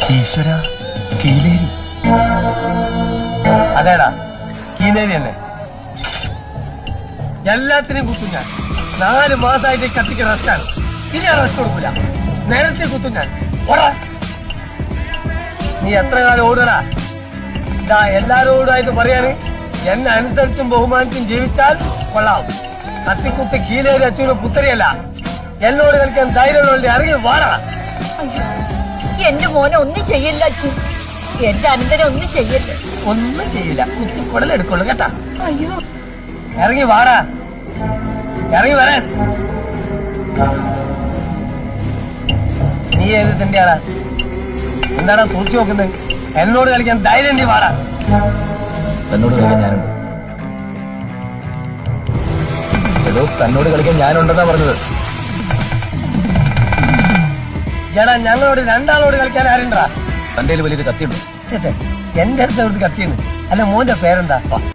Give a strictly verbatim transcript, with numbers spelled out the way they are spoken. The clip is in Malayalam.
ഈശ്വര, കീലേരി. അതേടാ, കീലേരി തന്നെ. എല്ലാത്തിനും കുത്തും ഞാൻ. നാല് മാസമായിട്ട് കത്തിക്ക് റെസ്റ്റാണ്. ഇനി ഞാൻ റെസ്റ്റ് കൊടുക്കൂല. നേരത്തെ കുത്തും ഞാൻ. ഓടാ, നീ എത്ര കാലം ഓടടാ? ഇതാ എല്ലാരോടായിട്ട് പറയാണ്, എന്നെ അനുസരിച്ചും ബഹുമാനിച്ചും ജീവിച്ചാൽ കൊള്ളാം. കത്തിക്കുത്ത് കീലേരി അച്ഛന് പുത്തരിയല്ല. എന്നോട് കളിക്കാൻ ധൈര്യമുള്ള ഇറങ്ങി വാടാ. എന്റെ മോനെ ഒന്നും ചെയ്യില്ല അച്ഛൻ. എന്റെ അനന്തരം ഒന്നും ചെയ്യല്ല. ഒന്നും ചെയ്യില്ല, കുത്തി കുടലെടുക്കുള്ളൂ കേട്ടാ. അയ്യോ, ഇറങ്ങി വാടാ, ഇറങ്ങി വരാൻ. നീ ഏത് തന്നെയാടാ? എന്താടാ കുറിച്ചു നോക്കുന്നത്? എന്നോട് കളിക്കാൻ ധൈര്യം നീ വാടാ. തന്നോട് കളിക്കാൻ ഞാനുണ്ട്. എടോ, തന്നോട് കളിക്കാൻ ഞാനുണ്ടെന്നാ പറഞ്ഞത്. എടാ, ഞങ്ങളോട് രണ്ടാളോട് കളിക്കാൻ ആരുണ്ടാ? തന്റെ വലിയൊരു കത്തിയുണ്ട്. എന്റെ അടുത്ത് അവിടുത്തെ കത്തിയെന്ന്. അല്ല, മോന്റെ പേരെന്താ?